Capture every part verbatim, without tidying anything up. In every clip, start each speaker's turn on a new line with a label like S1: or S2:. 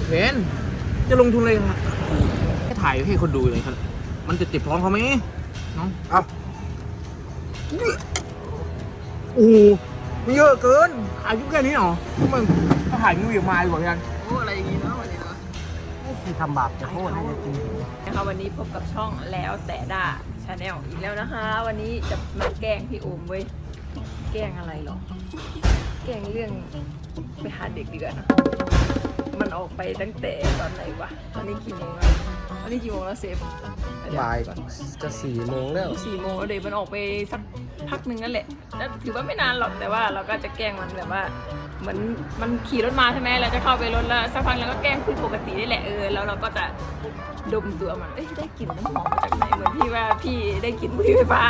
S1: เวนจะลงทุนเลยครับแค่ถ่ายให้คนดูเลยครับมันจะเจ็บท้องเขาไหมน้องเอาโอ้โหมันเยอะเกินถ่ายยุ่งแค่นี้หรอมึงถ้าถ่ายมึงอย่ามาดีกว่ากันโอ้อะไรอย่างงี้เนาะวันนี้เนาะที่ทำบาปจะโทษให้จริง
S2: นะคะวันนี้พบกับช่องแล้วแต่ด่าชาแนลอีกแล้วนะคะ วันนี้จะมาแกล้งพี่โอมเว้ยแกล้งอะไรหรอแกล้งเรื่องไปหาเด็กดีกว่านะมันออกไปตั้งแต่ตอนไหนวะตอนนี้กี่โมงแล้วตอนนี้กี่โมงแล้วเซฟ
S1: บ่ายจะสี่โมงแล้ว
S2: สี่โมงเดี๋ยวมันออกไปสักพักหนึ่งนั่นแหละแต่ถือว่าไม่นานหรอกแต่ว่าเราก็จะแกล้งมันแบบว่าเหมือนมันขี่รถมาใช่ไหมเราจะเข้าไปรถแล้วสักพักแล้วก็แกล้งคุยปกตินี่แหละเออแล้วเราก็จะดมตัวมันเอ้ยได้กลิ่นน้ำหอมมาจากไหนเหมือนที่ว่าพี่ได้กลิ่นบุหรี่ไฟฟ้า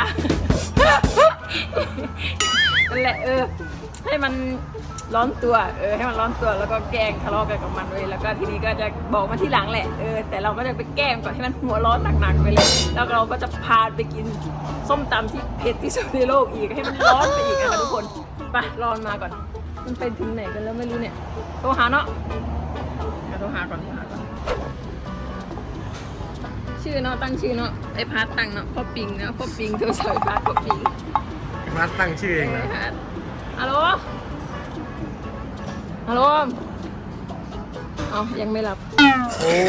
S2: นั่นแหละเออให้มันร้อนตัวเออให้มันร้อนตัวแล้วก็แกล้งทะเลาะกันกับมันเลยแล้วก็ทีนี้ก็จะบอกมันที่หลังแหละเออแต่เราก็จะไปแกล้งก่อนให้มันหัวร้อนหนักๆไปเลยแล้วเราก็จะพาไปกินส้มตำที่เผ็ดที่สุดในโลกอีกให้มันร้อนไปอีกนะคะทุกคนไปรอมาก่อนมันไปถึงไหนกันแล้วไม่รู้เนี่ยโทรหาเนาะโทรหาก่อนโทรหาก่อนชื่อเนาะตั้งชื่อเนาะไอพาร์ตตั้งเนาะพ่อปิงเนาะพ่อปิงโทรศัพท์พาร์ตพ่อปิง
S1: พาร์ตตั้งชื่อเองนะ
S2: ฮัลโหลฮัลโหลอ๋อยังไม่หลับโอ้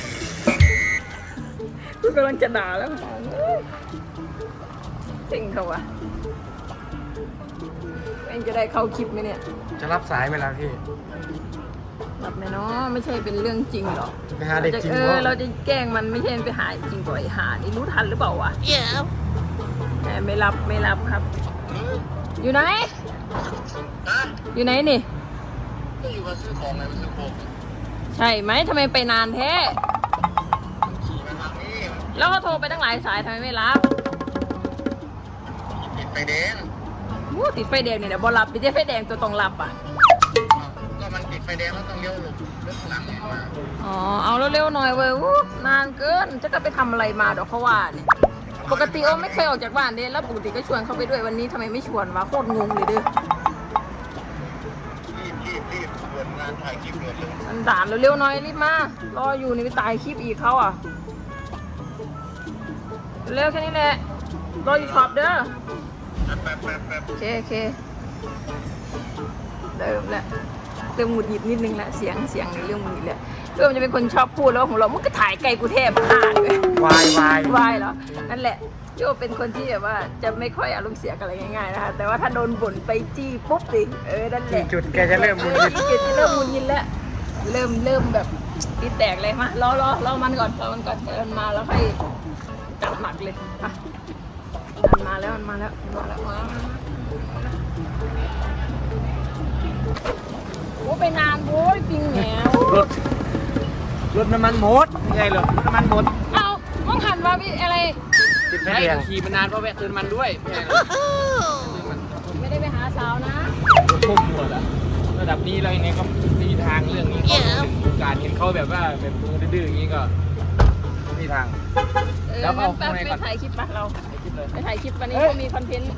S2: กูกำลังจะด่าแล้วเซ็งเขาวะเอ็งจะได้เข้าคลิปไหมเนี่ย
S1: จะรับสายไหมล่ะพี่
S2: รับไหมเนาะไม่ใช่เป็นเรื่องจริงหรอก
S1: ไปหาเด็กจริง
S2: เออเราจะแกล้งมันไม่ใช่ไปหาจริงก่อยหานี่รู้ทันหรือเปล่าวะแต่ไม่รับไม่รับครับอยู่ไหนอยู่ไหนนี่
S1: ก็อยู่มาซื้อของไงมาซื้อของ
S2: ใช่ไหมทำไมไปนานแท้แล้วก็โทรไปตั้งหลายสายทำไมไม่รับ
S1: ติดไฟแดง
S2: วู้ติดไฟแดงเนี่ยเดี๋ยวบอรับติดไฟแดงตัวต้องรับอ่ะ
S1: ก็มันติดไฟแดงแล้วต้องเลี้ยวหลบรถหลังมา
S2: อ๋อเอาเร็วๆหน่อยเว้ยวู้นานเกินจะก็ไปทำอะไรมาเดี๋ยวเขาว่าเนี่ยปกติโอ้ไม่เคยออกจากบ้านเด้แล้วปกติก็ชวนเขาไปด้วยวันนี้ทำไมไม่ชวนวะโคตรงงเลยเด้อ
S1: รีบรีบรีบเปิดงานถ่ายคลิปเลย
S2: มันด่านเร็วๆหน่อยรีบมารออยู่นี่ไปตายคลิปอีกเขาอ่ะเร็วแค่นี้แหละรออยู่ช็อปเด้อ
S1: แป๊บแป๊บแป๊บ
S2: โอเคโอเคเริ่มแล้วเริ่มหงุดหงิดนิดนึงละเสียงเสียงในเรื่องหงุดหงิดเลยเริ่มจะเป็นคนชอบพูดแล้วของเรามันก็ถ่ายไกลกูเทพขาดเล
S1: ยวายวา
S2: ยวายเหรอนั่นแหละโจเป็นคนที่แบบว่าจะไม่ค่อยอารมณ์เสียกับอะไรง่ายๆนะคะแต่ว่าถ้าโดนบ่นไปจี้ปุ๊บดิเออนั่นแหละ
S1: จุดแกจะเริ่มมุน
S2: จี้จุดจะเริ่มมุนยินแล้วเริ่มเริ่มแบบปีแตกเลยมารอรอรอมันก่อนรอมันก่อนเดินมาแล้วค่อยจัดหนักเลยอ่ะมันมาแล้วมันมาแล้วมาแล้วมาโอ้ไปนานโว้ยปิงแหว
S1: รถรถน้ำมันหมดยังไงเหรอน้ำมันหมด
S2: เอ้ามองหันว่าพี่อะไร
S1: ติดไฟแดงขี่มานานเพราะแวะเติมมันด้วย
S2: ไม่ได้ไปหาสาวนะ
S1: ทุ่มหมดอะระดับนี้เราอย่างไงก็มีทางเรื่องนี้การเห็นเขาแบบว่าแบบดื้อๆอย่างนี้ก็มีทาง
S2: แล้วก็ไปถ่ายคลิปปะเราไปถ่ายคลิปวันนี้ก็มีคอนเทนต์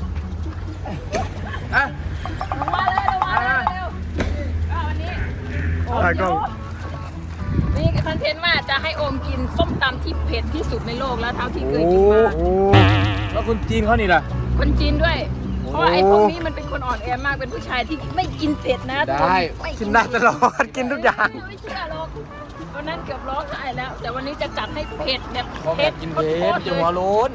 S1: อ่ะ
S2: ลงมาเลยลงมาเลยเร็วก็วันนี้โอ้ยนี่คอนเทนต์ว่าจะให้โอมกินส้มตำที่เผ็ดที่สุดในโลกแล้วเท่าที่เคยกินมา
S1: แล้วคนจีนเขานี่ล่ะ
S2: คนจีนด้วยเพราะไอ้พวกนี้มันเป็นคนอ่อนแอมากเป็นผู้ชายที่ไม่กินเผ็ดนะ
S1: ได้กินได้ตลอดกินทุกอย่าง
S2: ไม่เชื่อหรอกวันนั้นเกือบร้องไห้แล้วแต่วันนี้จะจัดให้เผ็ดแบบ
S1: เผ็ดกินเผ็ดจะหัวโล้น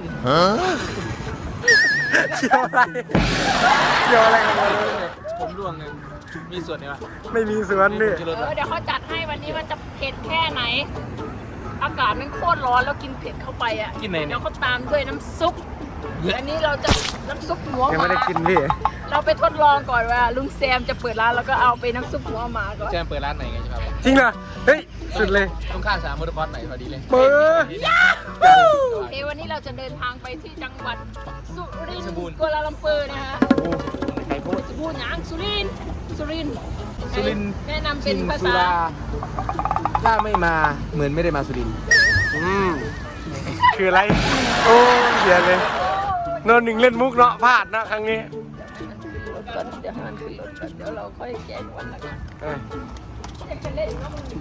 S1: เกี่ยวอะไรเกี่ยวอะไรกันเลยผมร่วงเลยมีส่วนไหมวะไม่มีส่วนนี่
S2: เออเดี๋ยวเขาจัดให้วันนี้มันจะเผ็ดแค่ไหนอากาศมันโคตรร้อนแล้วกินเผ็ดเข้าไปอ่ะ
S1: กินไหน
S2: เดี๋ยวเขาตามด้วยน้ำซุปอันนี้เราจะน้ำซุปหัวหมา
S1: ยังไม่ได้กินพี่
S2: เราไปทดลองก่อนว่าลุงแซมจะเปิดร้านแล้วก็เอาไปน้ำซุปหัวหมาก่อน
S1: แซมเปิดร้านไหนกันครับจริงเหรอเฮ้ยสุดเลยต้องข้ามสามมอเตอร์คอร์สไหนพอดีเลย
S2: เปิดโอเควันนี้เราจะเดินทางไปที่จังหวัดสุรินทร์กัวลาลัมเปอร์นะฮะ
S1: ใครพูด
S2: จะพูดอย่างสุรินทร์สุรินทร์
S1: สุรินทร์
S2: แนะนำเป็นภาษา
S1: ถ้าไม่มาเหมือนไม่ได้มาสุรินทร์อืมคืออะไรโอ้เดี๋ยวเลยนอนหนึ่งเล่นมุกเนาะพลาดนะครั้งนี้
S2: รถก่อนเดี๋ยวมันขึ้นรถก่อนเดี๋ยวเราค่อยแกะวันละกันอยากจะเล่นก็มึง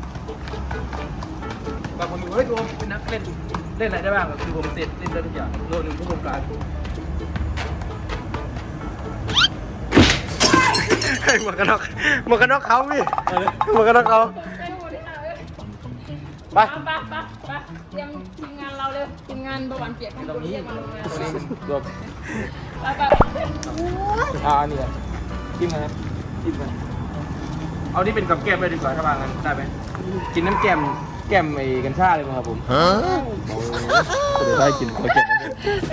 S3: บางคนดูเฮ้ยโดมเป็นนักเล่นเล่นอะไรได้บ้างคือผมเสร็จเล่นได้ทุกอย่างโลหนึ่งผู้บงการ
S1: ให้หมวกกันน็อกหมวกกันน็อกเขาพี่หมวกกันน็อกเขา
S2: ไปหมดเลยค่ะเอ้ย
S1: ไป
S2: ไปไปไปเตรียมทีมงานเราเลยทีมงานประวันเปียกให้คนเรียกมาลงงาน
S3: ตัวนี้รวม
S2: ไปไป
S3: อ่าอันนี้จิ้มนะครับจิ้มกันเอานี่เป็นกับแก้มเลยดีกว่าถ้าบางกันได้ไหมกินน้ำแก้มแก้มไอ้กัญชาเลยมั้งครับผมฮะเดี๋ยวได้กินกับแก้มนั่นเอง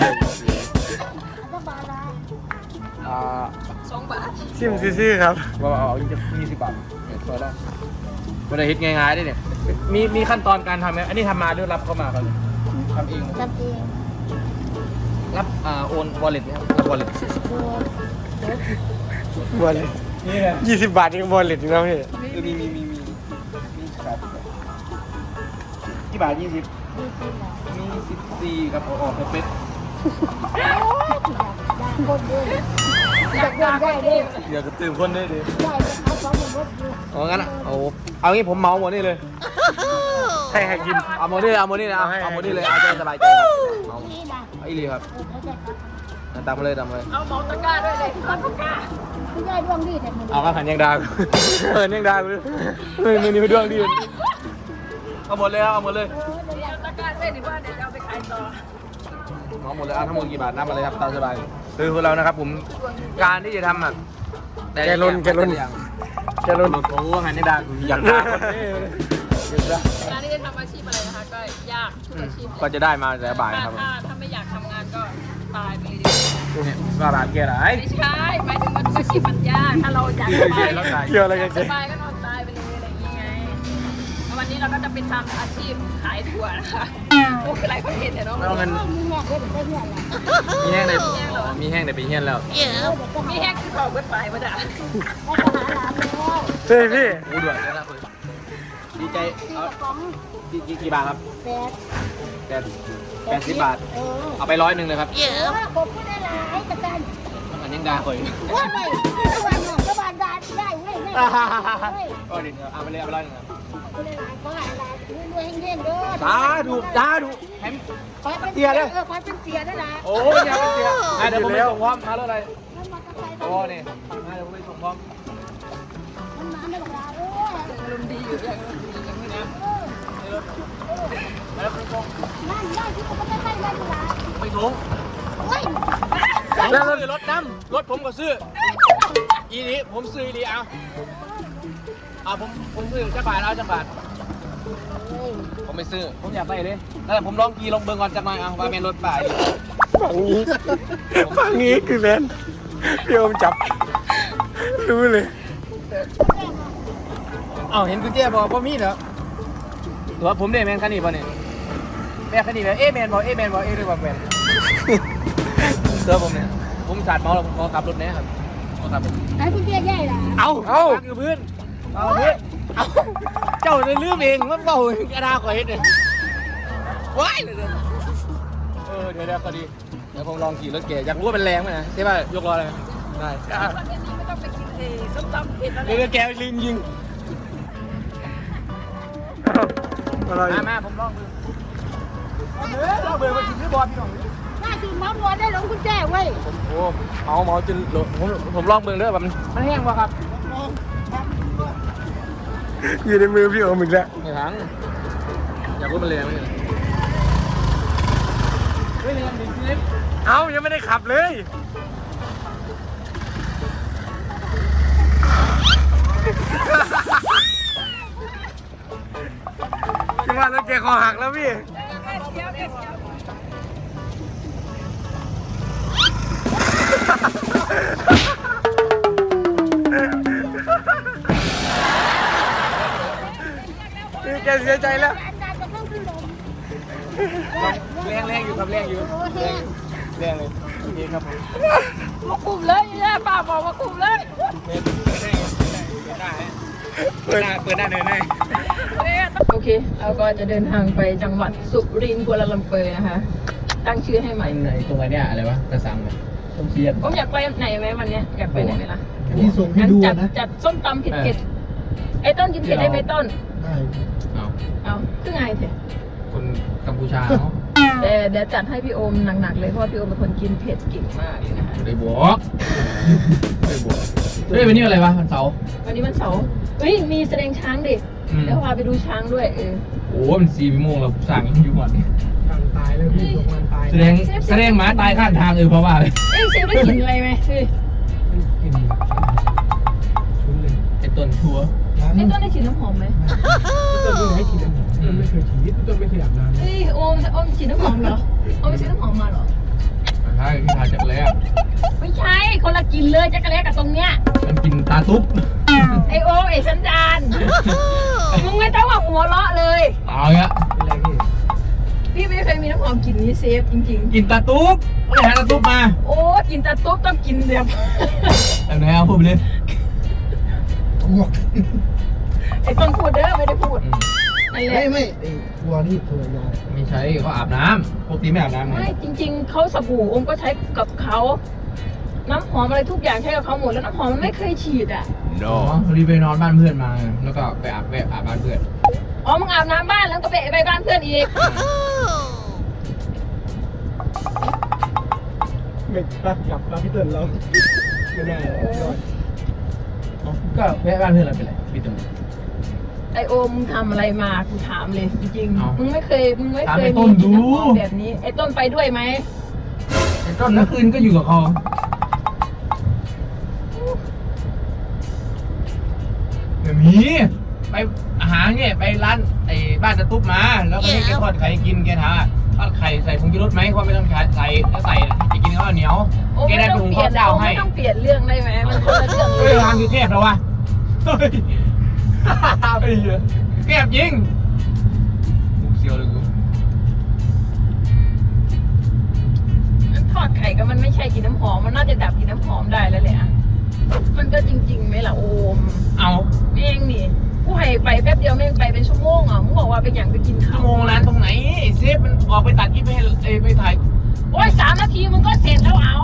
S3: อ่า
S2: สองบาท
S1: ชิมซื่อๆครับ
S3: ว่าเอาเอายี่สิบบาทเนี่ยพอแล้วไม่ได้ฮิตง่ายๆได้เนี่ยมีมีขั้นตอนการทำไหมอันนี้ทำมาหรือรับเข้ามาครับทำเองไหม
S4: ทำเอง
S3: รับอ่าโอนวอลเล็ตไหมครับรับวอลเล็ต
S1: บอลเลต
S3: นี่แหละ
S1: ยี่สิบบาทยังบอลเลตอีกแล้วพี่
S3: เออมีมีมีมีมีครับกี่บาทยี่สิบ
S4: ดีจริงเหรอ
S3: มีสิบสี่ครับออกเป๊ะ
S4: โอ้ยอยากคนเดียวอยากเดินได้เด้อ
S3: เดี๋ยวจะตื่นคนได้ดิ
S4: ได้จะเอาสองคนรถอยู่
S3: อ๋องั้นอ่ะเอาเอางี้ผมเมาหมดนี่เลย
S1: ให้ให้กิน
S3: เอาหมดนี่เลยเอาหมดนี่เลยเอา
S1: ให้
S3: เอาหมดนี่เลยเอาใจสบายใจครับเอา
S4: นี่นะ
S3: เอาอีหลีครับ
S4: เออเขาจะครับ
S3: ตามมาเลยตามมาเลย
S2: เอาเมาตะกร้าด้วยเลยเอาตะกร้า
S4: ไม่ได้ดวงดีแต่มัน
S3: เอาข้าวผัดยังดาวเออยังดาวเลยเออนี่ไปดวงดีเอาหมดเลยเอาหมดเลย
S4: เออเดี๋ยว
S2: เดี๋ยวตะกร้าด้วยดีว่าเดี๋ยวเอาไปขายต่อ
S3: เอาหมดเลยเอาทั้งหมดกี่บาทนับมาเลยครับตามสบายคือพวกเรานะครับผมการที่จะทำอ่ะ
S1: แกลนแกลนแกลน
S3: หลุดโอ้งานยังดาวอยากได้คนนี้อยากได้
S2: การที่จะทำอาชีพอะไรนะคะก็ยากทุกอาชีพ
S3: ก็จะได้มาแต่บ่าย
S2: ถ้า
S3: ครับ
S2: ถ้าถ้าไม่อยากทำงานก็ตายไปเลยดี
S3: เนี่ยว่าบาทเกียร์อะไร
S2: ไม่ใช่หมายถึงว่าทุกอาชีพมันยากถ้าเราอยากสบาย
S1: เกี่ยวอะไรกัน
S2: ส
S1: เจ๊
S2: บายก็นอนตายไปเลยอะไรอย่างเงี้ยไงแล้ววันนี้เราก็จะไปทำอาชีพขายถั่วนะคะโอ้คืออะไรคนเห็นแต่เนาะ
S3: ไม่เอาเงิน
S4: มีแง่เด้อได้เงี้ยแหละ
S3: มีแห้งเลยมีแห้งเลยไปเฮี้ยนแล้ว
S4: เออเดี๋ยวก็หา
S2: มีแห้งคือเผาเบิดไปมาจ้ะ
S4: แล้วก็หาหลานแล้ว
S1: เฮ้ยพี่
S3: โอ้ด่วนเลยนะคุณดีใจ
S4: ที่
S3: เอา
S4: ของ
S3: กี่กี่กี่บาทครับ
S4: แปด
S3: แปดแปดสิบบาท
S4: เออ
S3: เอาไปร้อยหนึ่งเลยครับ
S4: เออผมก็ได้หลายกระตัน
S3: อันยังดาคอย
S4: ว่าไงตะวันหน่อยตะวันดาได้เว้ยได้เว้ย
S3: ก็ดีเอาไปเลยเอาไปร้อยหนึ่งครับ
S4: ก็ได้หลายก็หลายหลายรวยๆเฮงๆเด้อ
S3: ตาดูตาดูแฮม
S4: ขอเป็นเสียเด้อเออขอเป็นเสียได้ละ
S3: โอ้ยอย่าไปเสียอ่ะเดี๋ยวผมไปส่งพร้อมมาแล้วอะไร
S4: มันมาตะไคร้
S3: โอ้นี่อ่ะเดี๋ยวผมไปส่งพร้อม
S4: มันมาไม่บอกลาเออ
S2: อารมณ์ดีอยู่อย่างอารมณ์ดีอย่างนี้นะ
S3: แล้วไปส่ง
S4: นั่นได้ที่เขาไม่ได้ได้ได้ละ
S3: ไปส่ง
S4: โอ้ย
S3: แล้วซื้อรถน้ำรถผมก็ซื้ออีนี้ผมซื้ออีนี้เอาเอาผมผมซื้อจะบาทเอาจะบาท ผมไม่ซื้อ ผมอยากไปเลยแล้วผมลองกีลงเบิ่งก่อนจักหน่อยเอาว่าแม่นรถป่าย
S1: ฝั่งนี้ฝั่งนี้คือแมนพี่โอมจับรู้เลย
S3: เอ้าเห็นกุญแจบอกว่ามีเหรอหรือว่าผมได้แมนคันนี้ป่ะเนี่ยแม่คันนี้แบบเอ๊ะแมนบอกเอ๊ะแมนบอกเอ๊ะหรือว่าแมนเจอผมเนี่ยผมสาดเมาแล้วผมขอขับรถเนี่ยครับขอขับรถ
S4: ไอ้คุณเจ๊ใหญ่ล่ะ
S3: เอาเอาอยู่พื้นเอาพื้นเอาเจ้าเลยลืมเองมันเบากระดาษขอเห็นเนี่ยว้ายเลยเออเดี๋ยวเดี๋ยวก็ดีเดี๋ยวผมลองขี่รถเก๋อยากรู้ว่าเป็นแรงไหมนะใช่ป่ะยกล้อเลยได้
S2: ประเทศนี้ไม่ต้องไปกินเอส้มตำเผ็ดอะไร
S3: เดี๋ยวแกลืมยิง
S1: อะไร
S3: มามาผมลองดูเออเราเบื่อมาถึงที่บอลพี่น้อง
S4: น่าจะมาบัวได้หลงคุณเจ๊เว้ย
S3: ผมโอ้เมาเมาจนหลงผมผมลองเบิ่งเด้อแบบมันมันแห้งวะครับ
S1: อยู่ในมือพี่โอมอีกแล้ว
S3: ไม่ทั้งอยากรู้มันแรงไหมเฮ้ยแรงดิคลิป
S1: เอ้ายังไม่ได้ขับเลยคิดว่ารถแกคอหักแล้วพี่
S2: เดี๋ยวเดี๋ยวเดี๋ยว
S1: นี่แกเสียใจแล้ว
S4: อันนั้นจะต้องขึ้นลม
S3: แรงแรงอยู่ครับแรงอยู่
S4: โอ้แห้ง
S3: แรงเลยโอเคครับผม
S2: มาคุมเลยแย่ป้าบอกมาคุมเลย
S3: เปิดได้เปิดได้เปิดได้เดินได้
S2: โอเคเราก็จะเดินทางไปจังหวัดสุรินทร์กัวลาลัมเปอร์นะคะ ตั้งชื่อให้ใหม่
S3: ไหนตรงไหนเนี่ยอะไรวะกระสังเลยต้องเชียร์
S2: ผมอยากไปไหนไหมวันเนี้ยอยากไปไหนไหมล่ะ
S5: ที่ส่งให้ดู
S2: จัด
S5: นะ
S2: จัดส้มตำเผ็ดไอ้ต้นกินเผ็ดได้ไหมต้น
S4: ได้
S3: เอา
S2: เอาคือไงเผ็ด
S3: คนกัมพูชาเนาะ
S2: แต่เดี๋ยวจัดให้พี่โอมหนักๆเลยเพราะว่าพี่โอมเป็นคนกินเผ็ดเก่งมากเลยนะคะ
S3: ได้บอกได้บอกเฮ้ยวันนี้อะไรวะวันเสาร์
S2: วันนี้มันเสาร์เฮ้ยมีแสดงช้างดิ
S3: อืม
S2: เดี๋ยวพาไปดูช้างด้วยเออ
S3: โอ้มันสี่โมงแล้วสั่งอยู่หมด
S1: การตายเลยพี่ลงมันตาย
S3: แสดงแสดงหมาตายข้างทางเออเพราะว่าเลย
S2: เอ้ยเซฟได้กลินอะไรไหมเฮ้ย
S1: กินชุนเลย
S3: ไอ้ต้นชัว
S2: ไอ้ต้นได้กลินน้ำหอมไหม
S1: ต้นไม่ให้ฉีดน้ำหอมต้นไม่เคยฉีดต้นไม่เคยอาบน้ำ
S2: เฮ้ยโอมโอมฉีดน้ำหอมเหรอโอมไปซื้อน้ำหอมมาเหรอ
S3: ใช่ที่ทานจักรแล้ว
S2: ไม่ใช่คนละกลินเลยจักรแลกับตรงเนี้ย
S3: มันกินตาตุ๊บ
S2: ไอโอมไอสันดานมึงไม่ต้องมาหัวเราะเลย
S3: เอาเงี้ย
S1: เป็นไรพี่
S2: พี่ไม่เคยมีน้ำหอมกลิ่นนี้เซฟจริง
S3: กินตาตุ๊บไม่หาตาตุ๊บมา
S2: ๆ โอ้กินแต่ตุ๊บต้องกินแบบ
S3: แบบไหนเอาพูดไปเลย
S4: อ้วก
S2: ไอต้นพูดเด้อไม่ได้พูด
S3: อืม
S2: นั่นแห
S4: ไม่
S2: ละ
S4: ไม่ไอ้ตัวนี้ตัวยา
S3: ไม่ใช่เขาอาบน้ำปกติไม่อาบน้ำไง
S2: ไม่จริง ๆเขาสบู่อมก็ใช้กับเขาน้ำหอมอะไรทุกอย่างใช้กับเขาหมดแล้วน้ำหอมมันไม่เคยฉีดอ่ะ
S3: อ๋อพอดีไปนอนบ้านเพื่อนมา แล้วก็ไปอาบแวะอาบบ้านเพื่อน
S2: อ๋อมึงอาบน้ำบ้านแล้วก็ไปไปบ้านเพื่อนอีก
S1: ไม่ปะกลับมาพี่เติ้ลเราไม่ได้ยอด
S3: อ๋อก็แวะบ้านเพื่อนเราเป็นไรพี่ตุ้ม
S2: ไอโอมมึงทำอะไรมากูถามเลยจริง
S3: เอ้า
S2: ๆมึงไม่เคยมึงไม่
S3: ถาม
S2: เคย
S3: ไอ้ต้
S2: มี
S3: นดู
S2: น้ำหอมแบบนี้ไอต้นไปด้วยไหม
S3: ไอ้ต้นเมื่อคืนก็อยู่กับเขาแบบนี้ไปหาเนี่ยไปร้านไอ้บ้านตะตุ๊บมา แล้วก็ให้แกทอดไข่กินแกถามว่าทอดไข่ใส่ผงชูรสไหมเพราะไม่ต้องใส่ใส่ถ้าใส่จะกินข้าวเหนียว
S2: โอ้
S3: แก
S2: ไม่
S3: ได้
S2: ต้
S3: ไป
S2: อง
S3: หุง
S2: เปลี่
S3: ข้า
S2: ยว น
S3: เจ้าให้
S2: ไม่ต้องเปลี่ยนเรื่องได้ไหมมันคนละเรื่องเล
S3: เฮ้ย
S2: ย
S3: ทางอยู่เทพแล้ววะเฮ้ยไอ้เหี้ยเทพยิงกูเสียวเลยกู
S2: มันทอดไข่ก็มันไม่ใช่กินน้ำหอมมันน่าจะดับกินน้ำหอมได้แล้วแหละมันก็จริงๆไหมล่ะโอม
S3: เอา
S2: แม่งนี่กูให้ไปแป๊บเดียวแม่งไปเป็นชั่วโมงอ่ะมึงบอกว่าเป็นอย่างไปกิน
S3: ชั่
S2: ข้าว ว
S3: โมงร้านตรงไหนไอ้เซฟมันออกไปตัดคลิปให้เอ้ยไปถ่าย
S2: โอ้ยสามนาทีมึงก็เสร็จแล้วเอา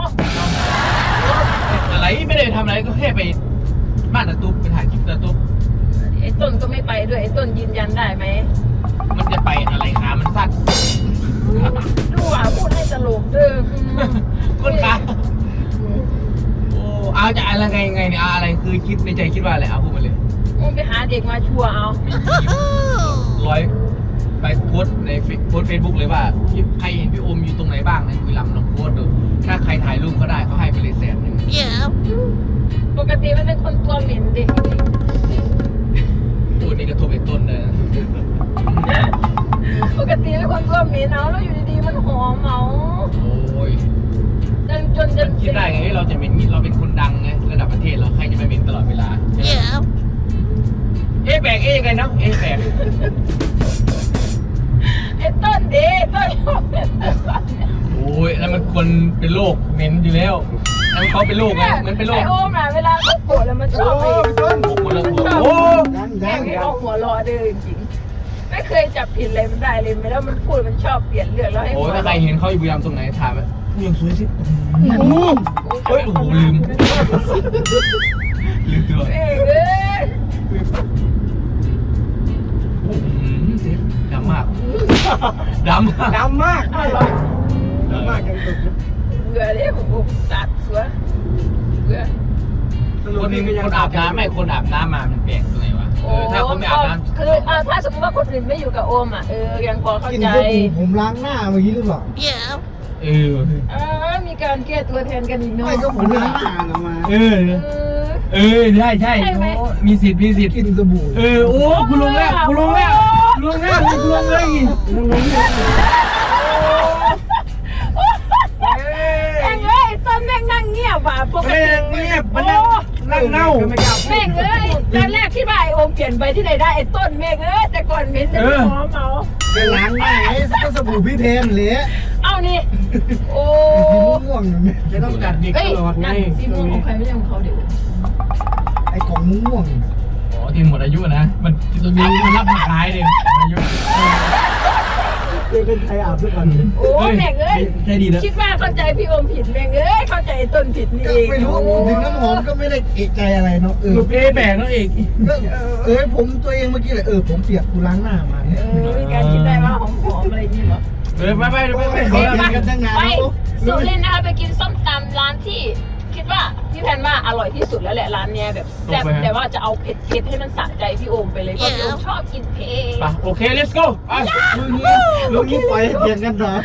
S3: อะไรไม่ได้ทำอะไรก็แค่ไปบ้านตะตุ๊บไปถ่ายคลิปตะตุ๊บ
S2: ไอ้ต้นก็ไม่ไปด้วยไอ้ต้นยืนยันได้ไหม
S3: มันจะไปอะไรขามันสั้น
S2: ดูอ่ะพูดให้ตลกเด้ออืม
S3: คนขาโอ้เอาจะอะไรไงไงเนี่ยเอาอะไรคือคิดในใจคิดว่าอะไรเอาพูดมาเลย
S2: มึงไปหาเด็กมาชัวร์เอา
S3: ร้อยไปโพสต์ในเฟซโพสเฟซบุ๊กเลยว่าใครเห็นพี่โอมอยู่ตรงไหนบ้างในคุยลำลองโพสต์ดูถ้าใครถ่ายรูปก็ได้เขาให้ไปเลยแสนหนึ่ง
S2: ปกติมันเป็นคนตัวเหม็นเด็กจริง
S3: พูดนี่กระทบไอ้ต้นเลยนะ
S2: ปกติเป็นคนตัวเหม็นเอาแล้วอยู่ดีๆมันหอมเอา
S3: โอ้ย
S2: จนจนจน
S3: คิดได้ไงเราจะเป็นเราเป็นคนดังไงระดับประเทศเราใครจะไม่เป็นตลอดเวลาใช่ไหมเอ๊ะแบกเอ๊ะยังไงเนาะเอ๊ะแบก
S2: ไอ้ต้นดีต้นชอบเหม็น
S3: โอ้ยแล้วมันคนเป็นโรคเหม็นอยู่แล้วแล้วเขาเป็นโรคไงมันเป็นโรค
S2: ไอ้โอมอ่ะเวลาเขาโกรธแล้วมันชอบไป
S3: หมดแล้ว
S2: ชอบ
S3: โอ้
S4: ยัง
S2: แม่
S4: ยัง
S2: งเอาหัวเรอเด้อจริงๆไม่เคยจับผิดอะไรมันได้เลยไม่แล้วมันพูดมันชอบเปลี่ยนเรื่องแล้วให้
S3: โห
S2: หัว
S3: ถ้าใครเห็นเขาอยู่บุรีรัมย์ตรงไหนถามว่าผู้ยังสวยสิ
S4: โอ้โห
S3: เฮ้ยโอ้โหลืมลืมตัว
S2: เอ้ยเอ้ย
S3: โอ้โหเจ็บดำมากดำมาก
S1: ดำมาก
S2: อ้าวเหรอ
S1: ดำมากยังตก
S2: เบื่อเลยผมผมตัดสวยเบื่อ
S3: คนคนอาบน้ำไม่คนอาบน้ำมามันแปลกตรงไหนวะเออถ้าคนไม่อาบน้ำ
S2: คืออ่าถ้าสมมติว่าคนอื่นไม่อยู่กับโอมอ่ะเออยังพอเข้า
S4: กิน
S2: ใจ
S4: สบู่ผมล้างหน้าเมื่อกี้หรือเปล่า
S3: เออ
S2: เออมีการแก้ตัวแทนกันอีกเนาะ
S4: ไม่ก็ผมล้างหน้าออกมา
S3: เออ
S2: เออ
S3: เออใช่ใช่
S2: ใช่ไหม
S3: โอ้มีสิทธิ์มีสิทธิ์
S4: กินสบู่
S3: เออโอ้คุณลงแล้วคุณลงแล้วคุณลงแล้วคุณลงเลยคุณลงเลย
S2: แม่งเอ้ยต้นแม่งนั่งเงียบว่ะปก
S3: ไม่
S2: ติ
S3: เงียบมันนั่งนั่งเน่า
S1: ไม่กล้าพูด
S2: แม่งเอ้ยตอนแรกคิดว่าไอโอมเปลี่ยนไปที่ไหนได้ไอ้ต้นแม่งเอ้ยแต่ก่อนเหม็นแต่หอมเอา
S4: ไปล้างหน้าไอ้ก็สบู่พี่เพนเละ
S2: เอานี่โอ้
S4: สีม่วงอย่างนี้
S1: จะต้องจัดเด็ก
S2: เอ้ย
S1: ตลอดไง
S2: นั่นสีม่วงของใครไม่ใช่ของเขาเดี๋ยว
S4: ไอ้ของม่วง
S3: อ๋อที่หมดอายุนะมันจะมีมันรับมาขายเลยอายุ
S1: เจ๊เป็นใครอาบด้วยกัน
S2: โอ้แม่งเอ้ย
S1: ใช่ดีนะ
S2: คิดว่าเข้าใจพี่โอมผิดแม่งเอ้ยเข้าใจต้นผิดนี่เอง
S5: ไม่รู้ถึงน้ำหอมก็ไม่ได้เอกใจอะไรเนาะเออ
S1: ลูกเอแบกน้องเอก
S5: ก็เออผมตัวเองเมื่อกี้เลยเออผมเปียกกูล้างหน้ามาเนี่ย
S2: เออมีการคิดได้ว่าหอมๆอะไรอย่างนี้เหรอ
S1: เออไปไปไปไป
S5: เขากินกันตั้งนาน
S2: ไป
S5: แล้ว
S2: สุรินทร์นะคะไปกินส้มตำร้านที่คิดว่าพี่แพนว่าอร่อยที่สุดแล้วแหละร้านเนี้ยแบบแซ่บแต่ว่าจะเอาเผ็ดๆให้มันสะใจพี่โอมไปเลยเพราะพี่โอมชอบกินเผ็ด
S1: ไปโอเค let's go ไป
S5: ลุงนี้ลุงนี้ปล่อยให้เถียงกันเหรอ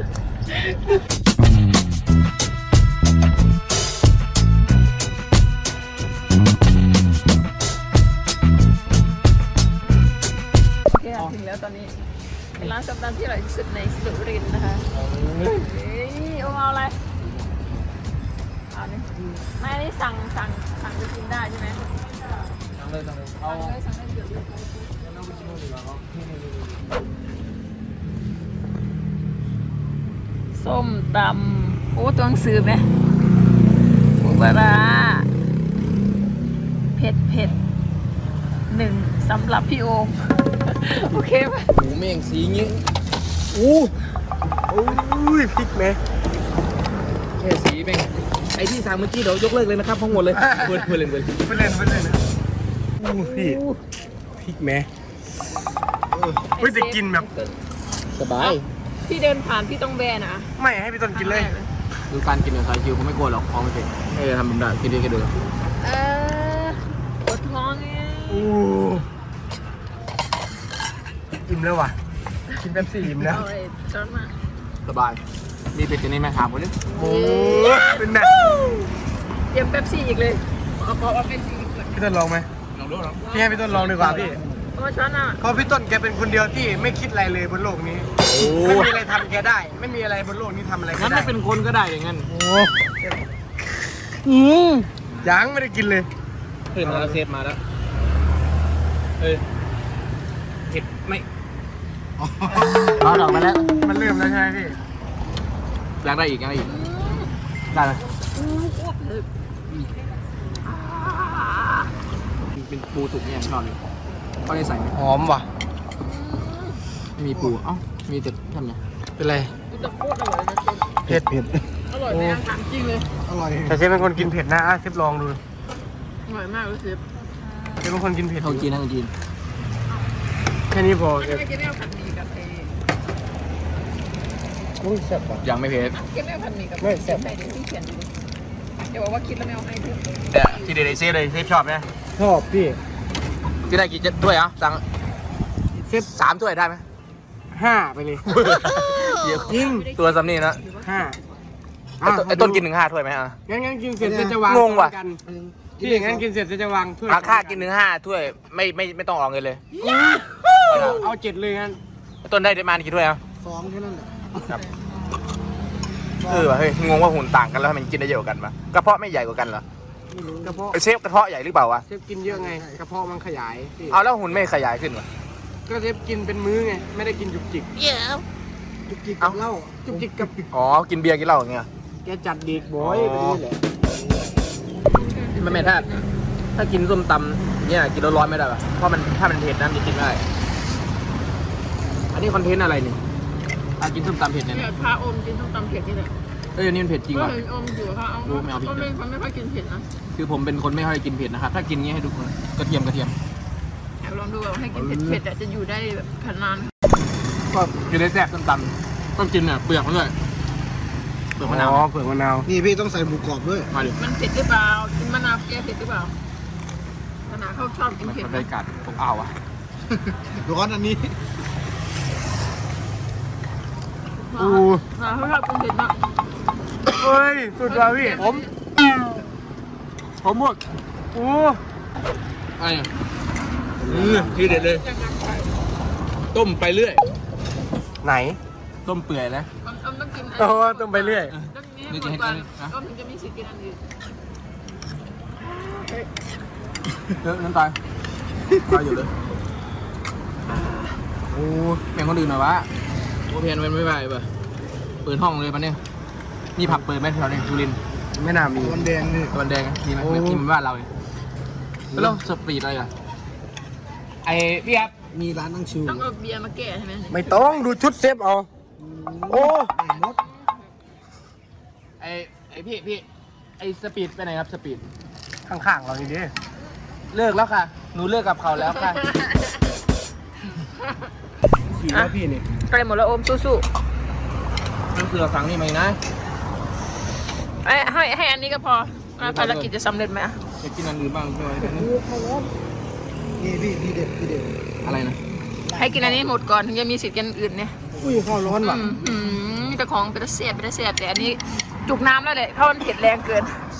S2: โอเคค่ะถึงแล้วตอนนี้เป็นร้านส้มตำที่อร่อยที่สุดในสุรินทร์นะคะเฮ้ยโอมเอาอะไรเอานี่ไม่อันนี้สั่งสั่งสั่งจะกินได้ใช่ไหม
S3: สั่งเลยสั่งเลยเอา
S2: สั่งเลยสั่งได้เดี๋ยวดูส้มตำโอ้ตัวหนังสือไหมปูปลาร้าเผ็ดเผ็ดหนึ่งสำหรับพี่โอม โอเคไหม
S3: หมูเม่งสีงี้
S1: อู้อู้ยพริกไหม
S3: แค่สีเม่งไอที่สั่งเมื่อกี้เดี๋ยวยกเลิกเลยนะครับทั้งหมดเลยเพื่อนเพื่อนเพื่อน
S1: ไปเล่นไปเล่นนะอู้พี่พริกไหมเฮ้ยจะกินแบบ
S3: สบาย
S2: พี่เดินผ่านพี่ต้องแบนะ
S1: ไม่ให้พี่ต้นกินเลย
S3: ดูการกินของสายคิวผมไม่กลัวหรอกของไม่เป็นให้ทำแบบนั้นกินดีกันดู
S2: เออปวดท้องไง
S1: อู้อิ่มแล้วว่ะกินแป๊บซี่อิ่มแล้ว
S2: เอาไอ้ช้อนมา
S3: สบายมีเป็ดกันนี่ไหมถามคนนี้
S1: โอ้เป็นแบบ
S2: เตรียมเป๊ปซี่อีกเลยเอาขอเอาเป๊ปซี่อีกเลย
S1: พี่ต้นลองไหม
S3: ลองดูลอง
S1: พี่ให้พี่ต้นลองดีกว่าพี่
S2: เอาช้อนอ่ะ
S1: เพราะพี่ต้นแกเป็นคนเดียวที่ไม่คิดอะไรเลยบนโลกนี้
S3: โอ้
S1: ไม่มีอะไรทำแกได้ ไม่มีอะไรบนโลกนี้ทำอะไรแก
S3: งั้น
S1: ได้
S3: ไม่เป็นคนก็ได้อย่างงั้น
S1: โอ้อืมยังไม่ได้กินเลย
S3: เฮ้ยมาแล้วเซฟมาแล้วเฮ้ยเผ็ดไม่เอาดอกมาแล้ว
S1: มันเริ่มแล้วใช่ไหมพี่
S3: อยากได้อีกอยากได้อีกได้ไหม เป็นปูสุกเนี่ยชอบเลยเขาได้ใส่ไหม
S1: หอมว่ะ
S3: ไม่มีปูเอ้ามีแต่ทำไง
S1: เป็นไร
S2: กูจะโคตรอร่อยนะเชฟ
S1: เผ็ดเผ็ด
S2: อร่อยไหมอ่ะถามจริงเลย
S5: อร่อย
S1: แต่เชฟเป็นคนกินเผ็ดนะอ่ะเชฟลองดู
S2: อร่อยมากเลยเชฟ
S1: เชฟเป็นคนกินเผ็ด
S3: ทางจีนทางจีน
S1: แค่นี้พอเช
S2: ไม่
S1: ฟ
S2: ไม่กินไม่เอาผัดหมี่กับไอ้
S1: อุ้ยแซ่บว่ะ
S3: ยังไม่เผ็ด
S2: กินไม่เอาผัดหมี่กับ
S1: ไม่แซ่บ
S2: ใส่เดี๋ยวพี่เขียนดูเดี๋ยวบอกว่าคิดแล้วไม่เอาให้ด้วย
S3: แต่ที่เด็ดเซฟเลยเซฟชอบไหม
S1: ชอบพี่
S3: ที่ได้กี่ถ้วยอ่ะสั่ง
S1: เชฟ
S3: สามถ้วยได้ไหม
S1: ห้าไปเลย
S3: เดี๋ยว
S1: จริง
S3: ตัวซ้ำนี่นะ
S1: ห้า
S3: ไอ้ต้นไอ้ต้นกินหนึ่งห้าถ้วยไหมอ่ะ
S1: งั้นงั้นกินเสร็จจะจะวาง
S3: งงว่ะ
S1: ซ้อนกันพี่งั้นกินเสร็จจะวางถ้วย
S3: อาค่ากินหนึ่งห้าถ้วยไม่ไม่ไม่ต้องออกเงินเลย
S1: เอาเอาเจ็ดเลยงั้น
S3: ไอ้ต้นได้ประมาณกี่ถ้วยอ่ะ
S5: สองแค่นั้นแหละ
S3: ครับเออว่ะเฮ้ยงงว่าหุ่นต่างกันแล้วทำไมมันกินได้เยอะกว่ากันปะกระเพาะไม่ใหญ่กว่ากันเหรอก
S1: ระเพาะ
S3: ไอ้เชฟกระเพาะใหญ่หรือเปล่าวะ
S1: เชฟกินเยอะไงกระเพาะมันขยายพี่
S3: เอาแล้วหุ่นไม่ขยายขึ้นวะ
S1: ก็เชฟกินเป็นมื้อไงไม่ได้กินจุกจิก
S5: จุกจิกกับเหล้า
S1: จุกจิกกับ
S3: อ๋อกินเบียร์กินเหล้าอย่างเงี้ย
S1: แกจัดเด็กบอยไปนี่แหละ
S3: ไม่แม่ถ้าถ้ากินส้มตำเนี่ยกินร้อนๆไม่ได้ป่ะเพราะมันถ้ามันเผ็ดนะมันจะกินไม่ได้อันนี้คอนเทนต์อะไรเนี่ยถ้ากินส้มตำเผ็ดเนี่ย
S2: เนี่ยพาโอมกินส้มตำเผ็ดนี่แหละ
S3: เอ้ยอันนี้มันเผ็ดจริง
S2: ก็
S3: ว่ะ
S2: เห็นโอมอยู่ค่ะเอา
S3: รู้ไม่เอาพริก
S2: โอมเป็นคนไม่ค่อยกินเผ็ดนะ
S3: คือผมเป็นคนไม่ค่อยกินเผ็ดนะครับถ้ากินเงี้ยให้ดูกระเทียมกระเทียม
S2: อยากลองดูว่าให้กินเผ็ดเผ็ดๆอะจะอยู่ได้แบบขนาด
S3: ก็กินได้แซ่บส้มตำต้องกินเนี่ยเปลือกมันด้วยเปลือกมะนาว
S1: อ๋อเปลือกมะนาว
S5: นี่พี่ต้องใส่หมูกรอบด้วย
S3: มาดิ
S2: มันเผ็ดหรือเปล่ากินมะนาวแก้เผ็ดหรือเปล่าขนาดเขาชอบกิน
S3: มัน
S2: เผ็ด
S3: บร
S2: นะ
S3: รยากาศอบอ้าวอ่ะ
S5: ร้อนอันนี้
S1: อู้
S2: ขนาดเขาชอบกินเผ็ดนะ
S1: เฮ้ยสุดว่ะพี่
S3: ผมผมหมด
S1: อู้
S3: อะไรเนี่ยอือทีเด็ดเลย ต้มไปเรื่อย
S1: ไหน
S3: ต้มเปื่อยนะ
S2: ต้มต้องกิน
S1: โอ้ต้องไปเรื่อย
S2: ต้องนี้หมดก่อนต้มถึงจะมีสิทธิ์กินอันอื่น
S3: เยอะน้ำตาลตายอยู่เลยโอ้แบ่งคนอื่นหน่อยวะโอเพียนเป็นไม่ไหวป่ะเปิดห้องเลยปะเนี่ยมีผับเปิดไหมแถวนี้สุรินทร์
S1: ไม่น่ามี
S5: มันแดงนี่
S3: ตะวันแดงมีไหม
S1: โอ้
S3: ไม่กินบ้านเราเลยแล้วสปีดอะไรอ่ะไอพี่ครับ
S5: มีร้านนั่งชิว
S2: ต้องเอาเบียร์มาแก้ใช่ไหม
S1: ไม่ต้องดูชุดเซฟเอาโอ้
S5: มด
S3: ไอไอพี่พี่ไอสปีดไปไหนครับสปีด
S1: ข้างๆเรานี่ดิ
S3: เลิกแล้วค่ะ หนูเลิกกับเขาแล้วค่ะ
S1: ขี่แล้วพี่นี่
S2: ใกล้หมดแล้วโอมสู้
S3: นั่นคือเราสั่งนี่มาอีกนะ
S2: ๆให้ให้ให้อันนี้ก็พออ่ะภารกิจจะสำเร็จไหมอ่ะ
S3: จะกินอันอื่นบ้างใช่ไหม
S5: นี่พี่ทีเด็ดทีเด็ด
S3: อะไรนะ
S2: ให้กินอันนี้หมดก่อนถึงจะมีสิทธิ์กินอื่นเนี่ย
S5: อุ้ยข้าวร้อนว่ะ
S2: อืมอืมมีแต่ของเป็นตะเสียบเป็นตะเสียบแต่อันนี้จุกน้ำแล้วเลยเพราะมันเผ็ดแรงเกิน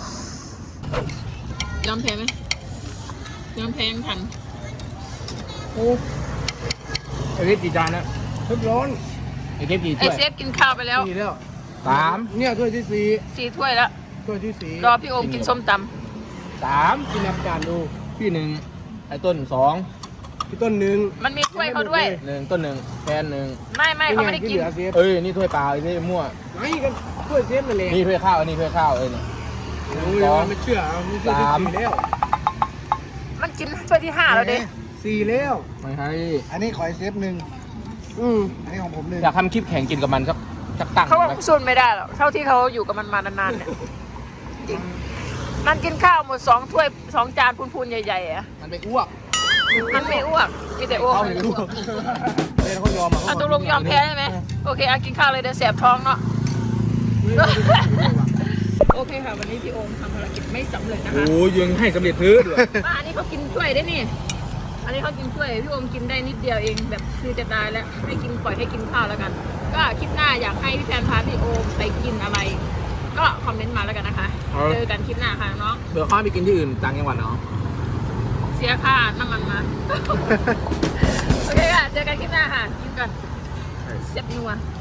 S2: ยอมแพ้ไหมยอมแพ้ยังทัน
S5: โอ้
S3: ไอเทปกี่จานนะ
S5: เพิ่มร้อน
S3: ไอเทปกี่
S2: ไอ
S3: ถ้วย
S2: เซฟกินข้าวไปแล้ว
S5: สี่แล้ว
S3: สาม
S5: เนี่ยถ้วยที่สี่
S2: สี่ถ้วยแล้ว
S5: ถ้วยที่สี่
S2: รอพี่โอมกินส้มต
S3: สาม
S5: กินน้ำจานดู
S3: พี่หนึ่งไอต้นสอง
S5: พี่ต้นหนึ่ง
S2: ำมันมีถ้วยเขาด้วย
S3: หนึ่งต้นหนึ่งแฟนหนึ่ง
S2: ไม่ไม่เขาไม่ได้
S5: ที่
S2: กิน
S5: เหลือเซฟ
S3: เอ้ยนี่ถ้วยเปล่าไอ้นี่มั่ว
S5: ไม่ก็ถ้วยเซฟนั่นแหละ
S3: นี่ถ้วยข้าวอันนี้ถ้วยข้าวเอ้ยนี่
S5: โอ้ยมันไม่เชื่อเอานี่ถ้วยที่
S3: สาม
S5: สี่แล้ว
S2: มันกินถ้วยที่ห้าแล้วเด็
S5: สี่แล้ว
S3: ไม่ให้
S5: อันนี้ขอไอ้เซฟหนึ่ง
S2: อืม
S5: อันนี้ของผมหนึ่ง
S3: อยากทำคลิปแข่งกินกับมันครับจักตั้ง
S2: เขาก็
S3: ไหม
S2: สูนไม่ได้หรอกเท่าที่เขาอยู่กับมันมานานๆเนี่ยจริงมันกินข้าวหมดสองถ้วยสองจานพูนๆใหญ่ๆอ่ะ
S3: มันไปอ้วก
S2: มันไม่อ้วกมีแต่อ้วก
S3: เขาไม่อ้วกเล่นเขายอมอ่ะ
S2: อ่ะตกลงยอมแพ้ใช่ไหมโอเคอ่ะกินข้าวเลยเดี๋ยวแสบท้องเนาะ โอเคค่ะ วันนี้พี่โอมทำภารกิจไม่สำเร็จนะคะ
S3: โอ้ยยังให้สำเร็จพื้นด้วย
S2: อ่ะอันนี้เขากินถ้วยได้นี่ อันนี้เขากินถ้วยพี่โอมกินได้นิดเดียวเองแบบคือจะตายแล้วให้กินปล่อยให้กินข้าวแล้วกัน ก็คลิปหน้าอยากให้พี่แฟนพาพี่โอมไปกินอะไร ก็คอมเมนต์มาแล้วกันนะคะเจอกันคลิปหน้าค่ะน้อง
S3: เดี๋ยวข้าไปกินที่อื่นต่างจังหวัดเนาะ
S2: เสียค่าน้ำมันมา โอเคค่ะเจอกันคลิปหน้าค่ะกินกันเสียบนัว